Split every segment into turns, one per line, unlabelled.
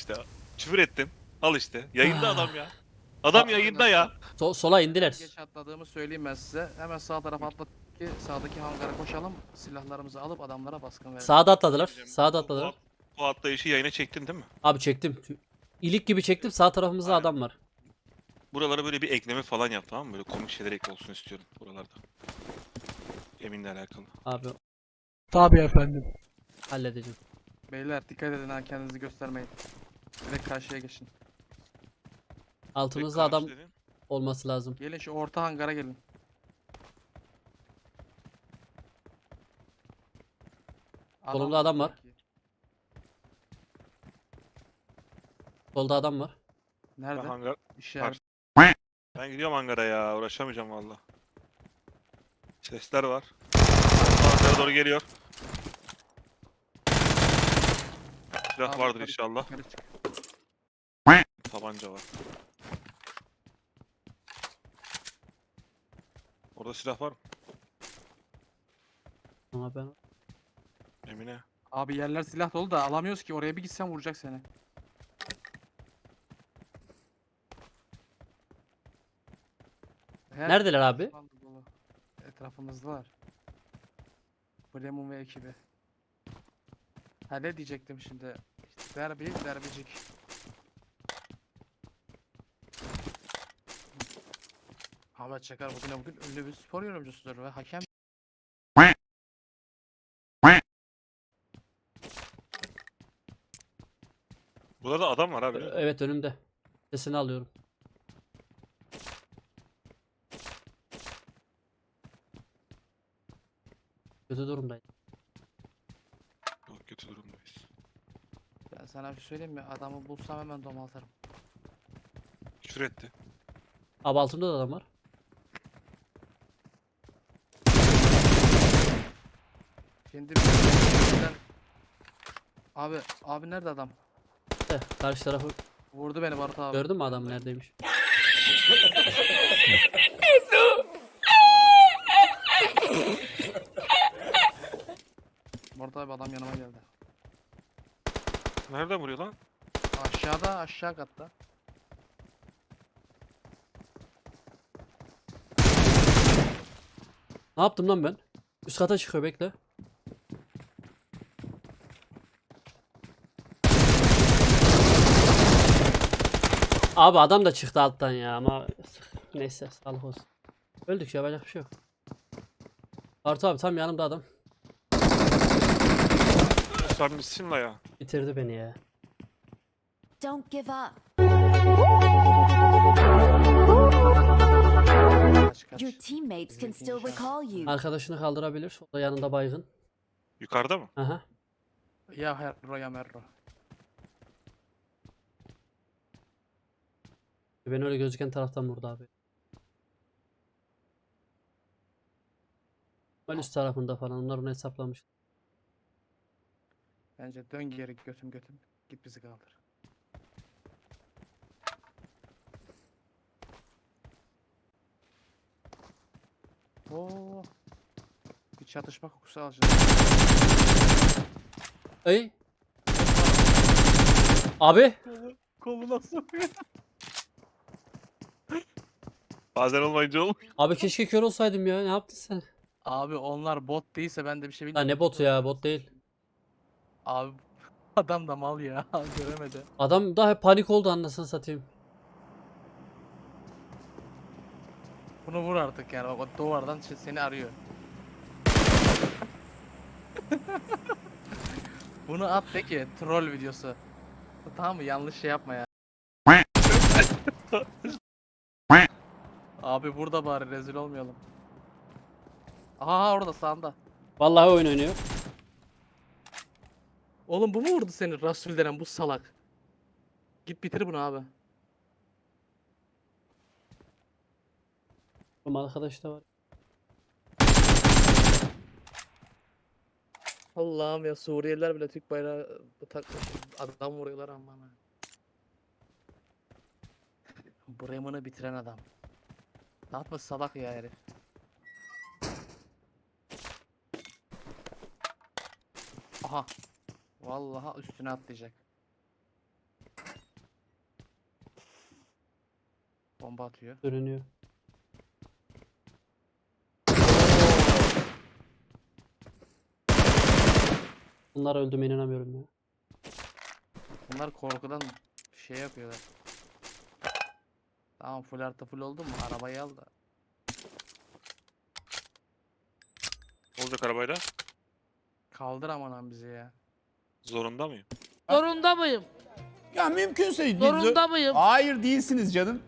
işte. Küfür ettim. Al işte. Yayında adam ya.
Ah.
Adam yayında ya.
Sola indiler.
Geç atladığımı söyleyeyim ben size. Hemen sağ tarafa atladık ki sağdaki hangara koşalım. Silahlarımızı alıp adamlara baskın verelim.
Sağda atladılar.
Diyeceğim,
Sağda
bu-
atladılar.
Bu atlayışı yayına çektin değil mi?
Abi çektim. İlik gibi çektim. Sağ tarafımızda
Aynen.
adam var.
Buralara böyle bir ekleme falan yap, tamam mı? Böyle komik şeyler ekle olsun istiyorum buralarda. Emin'le alakalı.
Abi
Tabii efendim.
halledeceğim.
Beyler dikkat edin ha, kendinizi göstermeyin. Direkt karşıya geçin.
Altımızda
Karşı
adam
dedin.
olması lazım.
Gelin şu orta hangara gelin.
Solumda adam var.
yok ki.
Solda adam var.
Ben
Nerede?
hangar...
İşaret.
Ben gidiyorum hangara ya. Uğraşamayacağım valla. Sesler var. Hangara doğru geliyor. Silah
Abi,
vardır
yukarı-
inşallah.
yukarı çık.
Tabanca var. Orada silah var mı?
Ama ben
Emine.
Abi yerler silah dolu da alamıyoruz ki, oraya bir gitsen vuracak seni. Her
Neredeler abi?
düşman da dolu. Etrafımızdalar. Bremen ve ekibi. Ha ne diyecektim şimdi? İşte derbicik. Ahmet Çakar bugün ünlü bir spor yorumcusudur ve hakem.
Burada da adam var abi.
Evet önümde. Sesini alıyorum. Kötü durumdayım.
Çok kötü durumdayız.
Ben sana bir şey söyleyeyim mi? Adamı bulsam hemen domaltarım.
Küfür etti.
Abi altımda da adam var.
Şimdi abi nerede adam?
De, karşı tarafı
Vurdu beni Barut abi.
gördün mü adam neredeymiş?
Barut abi adam yanıma geldi.
Nereden vuruyor lan?
Aşağıda, aşağı katta.
Ne yaptım lan ben? Üst kata çıkıyor bekle. Abi adam da çıktı alttan ya ama neyse sağlık olsun. Öldük ya, yapacak bir şey yok. Bartu abi tam yanımda adam.
Sen misin la ya?
Bitirdi beni ya.
Don't give up.
Kaç.
Your teammates can still recall you.
Arkadaşını kaldırabilir. O da yanında baygın.
Yukarıda mı?
Aha.
Ya herro ya merro.
Ben öyle gözüken taraftan vurdu abi. Ben üst tarafında falan. Onlar onu hesaplamış.
Bence dön geri götüm. Git bizi kaldır. Oo. Bir çatışma kokusu alacağız.
Ey. Abi.
Koluna sokuyor.
Bazen olmayınca olmuyor.
Abi keşke kör olsaydım ya. Ne yaptın sen?
Abi onlar bot değilse ben de bir şey
Lan
bilmiyorum.
ne botu ya, bot değil.
Abi adam da mal ya. Göremedi.
Adam da hep panik oldu anasını satayım.
Bunu vur artık yani. Bak o duvardan seni arıyor. Bunu at de ki troll videosu. Tamam mı? Yanlış şey yapma ya. Abi burada bari rezil olmayalım. Aha orada sağında.
Vallahi oyun oynuyor.
Oğlum bu mu vurdu seni, Rasul denen bu salak? Git bitir bunu abi.
Benim arkadaş da var.
Allah'ım ya, Suriyeliler bile Türk bayrağı takmış. Adam vuruyorlar ama. Bremen'ı bitiren adam. Ne yapmış salak ya herif. Aha. Vallahi üstüne atlayacak. Bomba atıyor.
Görünüyor. Bunlar öldüğüme inanamıyorum ya.
Bunlar korkudan şey yapıyorlar. Tamam full artı full oldu mu? Arabayı al da.
Ne olacak arabayla?
Kaldır aman lan bizi ya.
Zorunda mıyım?
Zorunda mıyım?
Ya mümkünse
Zorunda mıyım?
Hayır değilsiniz canım.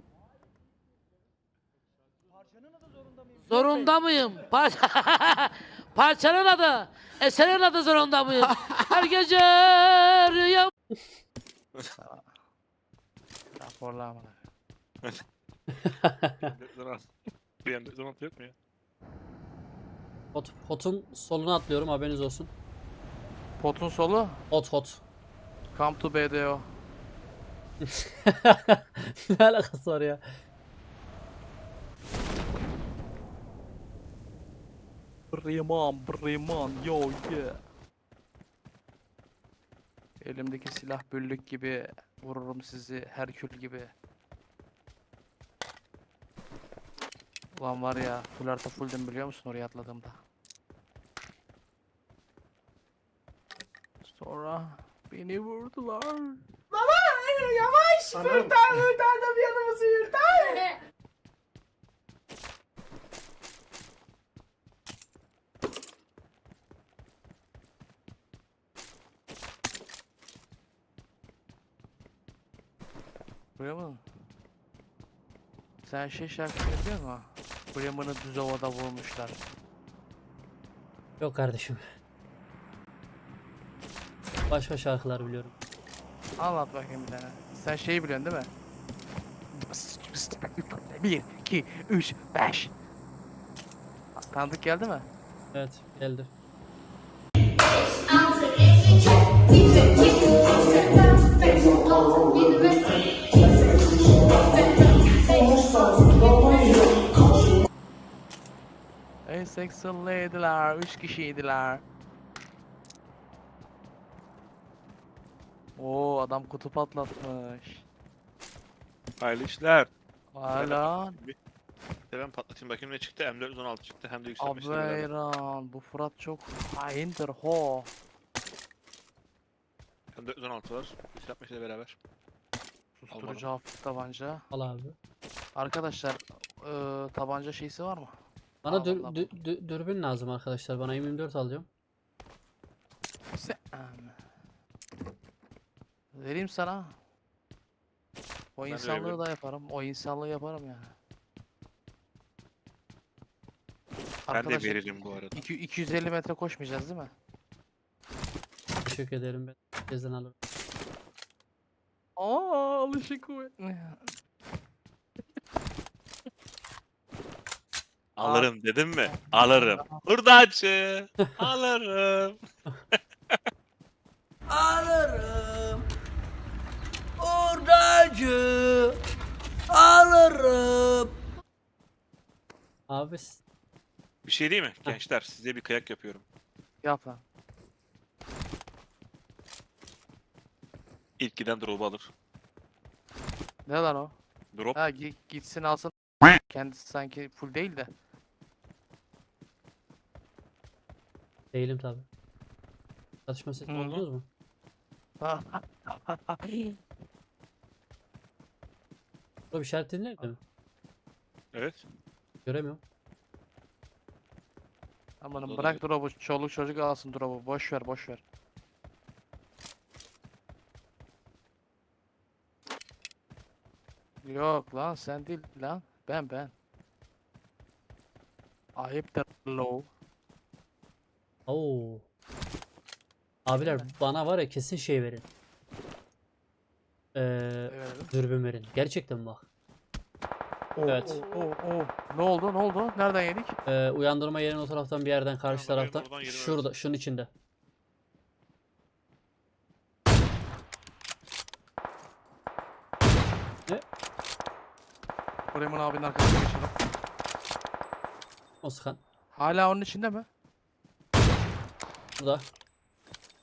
Zorunda mıyım? Parçanın adı. Eserin adı zorunda mıyım? Her gece rüyam.
Raporla aman.
Bir zaman yok mu ya?
Hot'un soluna atlıyorum, haberiniz olsun.
Potun solu.
Hot.
Come to BDO.
Ne alakası var ya?
Briman, yo yeah. Elimdeki silah büllük gibi vururum sizi Herkül gibi. Ulan var ya full artı fulldüm biliyor musun oraya atladığımda. Sonra beni vurdular. Buraya mı? Sen şey şarkısını biliyor musun? Bremen'ı düz havada vurmuşlar.
Yok kardeşim. Başka şarkılar biliyorum.
Anlat bakayım bir tane. Sen şeyi biliyorsun değil mi? 1, 2, 3, 5. Tanıdık geldi mi?
Evet, geldi.
Ey seksilliydiler, 3 kişiydiler. Oo adam kutu patlatmış.
Hayırlı işler.
Hala
Bir de ben patlatayım bakayım ne çıktı. M416 çıktı hem de yükselmişti beraber.
Abeyran bu Fırat çok haindir ho.
M416 var. Yükseltmişle beraber.
Susturucu hafif tabanca.
Al abi.
Arkadaşlar tabanca şeysi var mı?
Bana
Al vallahi
dürbün lazım arkadaşlar. Bana M24 alacağım.
Sen... Vereyim sana. O
de
insanlığı
veririm.
da yaparım. O insanlığı yaparım yani.
Ben de
Arkadaşlar,
veririm bu arada.
250 metre koşmayacağız değil mi?
Teşekkür ederim. Ben herkesten alırım.
Aa alışık kuvvetli.
Alırım dedim mi? Alırım. Hurdacı. Alırım.
Alırım. Hurdacı. Alırım.
Abi
Bir şey değil mi? Gençler size bir kıyak yapıyorum.
Yap lan.
İlk giden drop'u alır.
Ne lan o?
Drop.
Ha gitsin alsın. Kendisi sanki full değil de.
değilim tabi. Çatışma sesi
Hı hı.
buldunuz mu? Burada bir işaretin nerede mi?
Evet.
Göremiyorum.
Amanım
Olur,
bırak drop'u. Çoluk çocuk alsın drop'u. Boş ver boş ver. Yok lan sen değil lan. Ben. Ayıptır low.
Oo. Abiler bana var ya kesin şey verin.
Evet.
Dürbün verin. Gerçekten bak. Evet.
Ne oldu? Nereden yedik?
Uyandırma yerinin o taraftan bir yerden karşı
Uyandırma yerinin
taraftan.
oradan yeri
Şurada, şunun içinde.
Bremen abinin arkasına geçelim.
O sıkan.
Hala onun içinde mi?
Burada.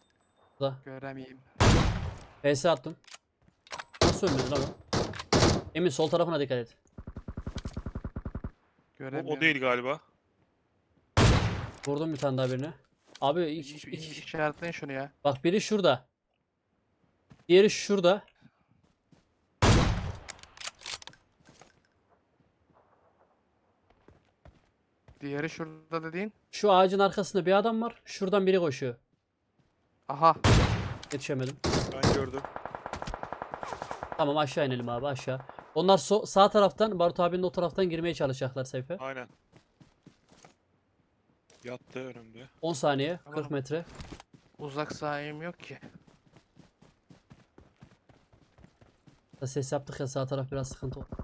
Burada.
Göremeyeyim.
PS attım. Nasıl ölmedi lan o? Emin sol tarafına dikkat et.
Göremiyorum.
O değil galiba.
Vurdum bir tane daha birine. Abi
İşaretleyin şunu ya.
bak biri şurada. Diğeri şurada.
Diğeri şurada dediğin.
Şu ağacın arkasında bir adam var. Şuradan biri koşuyor.
Aha.
Yetişemedim.
Ben gördüm.
Tamam aşağı inelim abi aşağı. Onlar sağ taraftan Barut abinin o taraftan girmeye çalışacaklar Seyfe.
Aynen. Yattı önümde.
10 saniye,
Tamam.
40 metre.
Uzak sahim yok ki.
Ses yaptık ya sağ taraf biraz sıkıntı oldu.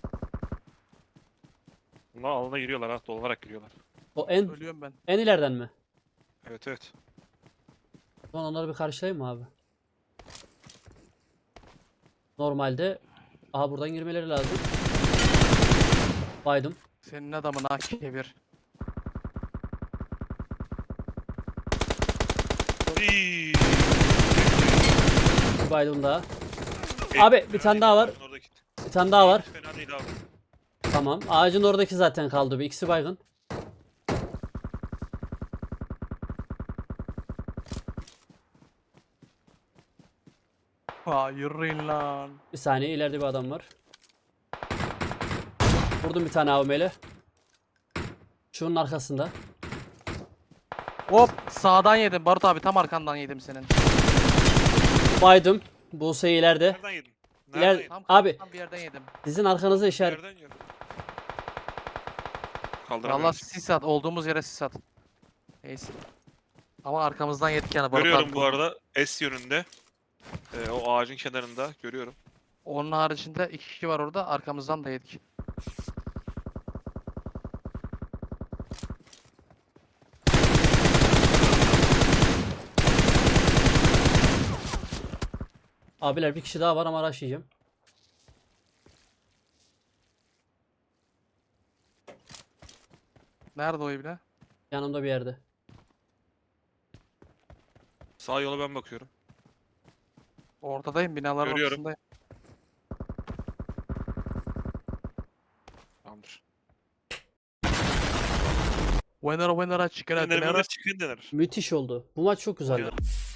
Bunlar alana giriyorlar ha. Dolanarak giriyorlar.
O en
Ölüyorum ben.
en ileriden mi?
Evet evet.
O zaman onları bir karşılayayım mı abi? Normalde aha buradan girmeleri lazım. Baydım.
Senin adamın AK1.
Iiii.
Bir baydım daha. Abi, bir tane daha var.
Oradaki.
Bir tane daha var.
Fena değil abi.
Tamam. Ağacın oradaki zaten kaldı. Bir ikisi baygın.
Hayır lan.
Bir saniye ileride bir adam var. Vurdum bir tane AVM'yle. Şunun arkasında.
Hop sağdan yedim Barut abi, tam arkandan yedim senin.
Baydım. Buse ileride.
Nereden yedin?
İler-
Nereden yedin?
Tam
Abi.
tam bir yerden yedim.
Sizin arkanıza işaret.
Nereden yedin?
Valla
Kaldıramıyorum.
sis at, olduğumuz yere sis at. Neyse. Ama arkamızdan yedik yani Barut
Görüyorum
abi.
bu arada S yönünde. O ağacın kenarında görüyorum.
Onun haricinde 2 kişi var orada, arkamızdan da yedik.
Abiler bir kişi daha var ama araştıracağım.
Nerede o ibne?
Yanımda bir yerde.
Sağ yola ben bakıyorum.
Ortadayım, binaların
Görüyorum.
ortasındayım.
Tamamdır.
Winner chicken
Dinler
dinner.
çıkın denir.
Müthiş oldu. Bu maç çok güzeldi.